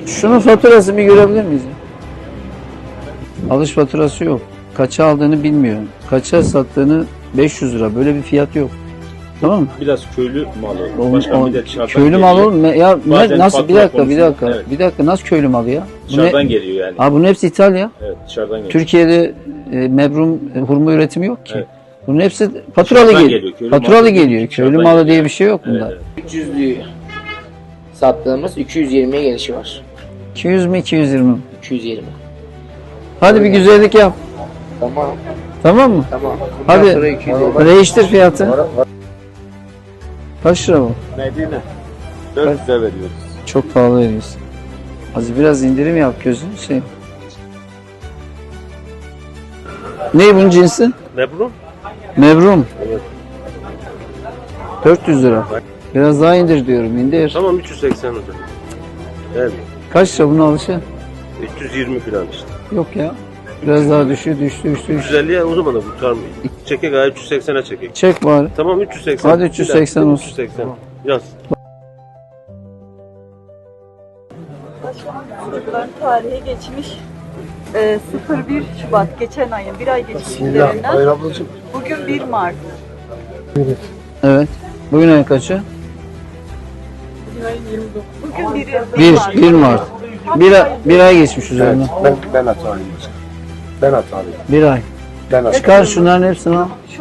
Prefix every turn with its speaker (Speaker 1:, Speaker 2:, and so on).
Speaker 1: Şunun faturası bir görebilir miyiz? Alış faturası yok. Kaça aldığını bilmiyor. Kaça sattığını 500 lira. Böyle bir fiyat yok. Tamam mı?
Speaker 2: Biraz köylü malı. Başka bir de dışarıdan
Speaker 1: köylü
Speaker 2: geliyor.
Speaker 1: malı olur mu? Ya
Speaker 2: Bazen
Speaker 1: nasıl bir
Speaker 2: fatura
Speaker 1: dakika
Speaker 2: konusunda, evet.
Speaker 1: bir dakika nasıl köylü malı ya?
Speaker 2: Dışarıdan geliyor yani.
Speaker 1: Bunun hepsi ithal ya.
Speaker 2: Evet, dışarıdan geliyor.
Speaker 1: Türkiye'de mebrum hurma üretimi yok ki.
Speaker 2: Evet.
Speaker 1: Bunun hepsi faturalı
Speaker 2: Dışarıdan
Speaker 1: geliyor.
Speaker 2: geliyor, köylü
Speaker 1: Faturalı
Speaker 2: malı
Speaker 1: geliyor.
Speaker 2: dışarıdan
Speaker 1: Köylü malı
Speaker 2: geliyor.
Speaker 1: diye bir şey yok bunda.
Speaker 2: Evet, evet.
Speaker 3: 300'lüğü sattığımız 220'ye gelişi var.
Speaker 1: 200 mi 220 mi?
Speaker 3: 220.
Speaker 1: Hadi bir güzellik yap.
Speaker 3: Tamam.
Speaker 1: Tamam mı?
Speaker 3: Tamam.
Speaker 1: Hadi
Speaker 3: Bundan sonra 220.
Speaker 1: değiştir fiyatı. Kaç lira bu?
Speaker 2: Medine. 400'e veriyoruz.
Speaker 1: Çok pahalı veriyorsun. Az biraz indirim yap gözünü şey. Ne bunun cinsi?
Speaker 2: Mebrum?
Speaker 1: Mevrum.
Speaker 2: Evet.
Speaker 1: 400 lira. Biraz daha indir diyorum. İndir.
Speaker 2: Tamam 380 lira. Evet.
Speaker 1: Kaç lira bunun alışı?
Speaker 2: 320 falan işte.
Speaker 1: Yok ya. Biraz daha düştü.
Speaker 2: 350'ye o zaman da kurtarmıyor. Çekek abi 380'e çekek.
Speaker 1: Çek bari.
Speaker 2: Tamam 380.
Speaker 1: Hadi 380 olsun.
Speaker 2: 380. Yaz.
Speaker 4: Çocukların tarihe geçmiş 01 Şubat geçen ayın bir ay geçmiş üzerinden bugün 1 Mart.
Speaker 1: Evet. Bugün ayın kaçı?
Speaker 4: Bugün
Speaker 1: 1 Mart. Bir ay geçmiş üzerinden.
Speaker 5: Ben hatalıyım. Ben hatalıyım.
Speaker 1: Bir ay.
Speaker 5: Ben hatalıyım.
Speaker 1: Çıkar şunların hepsini al.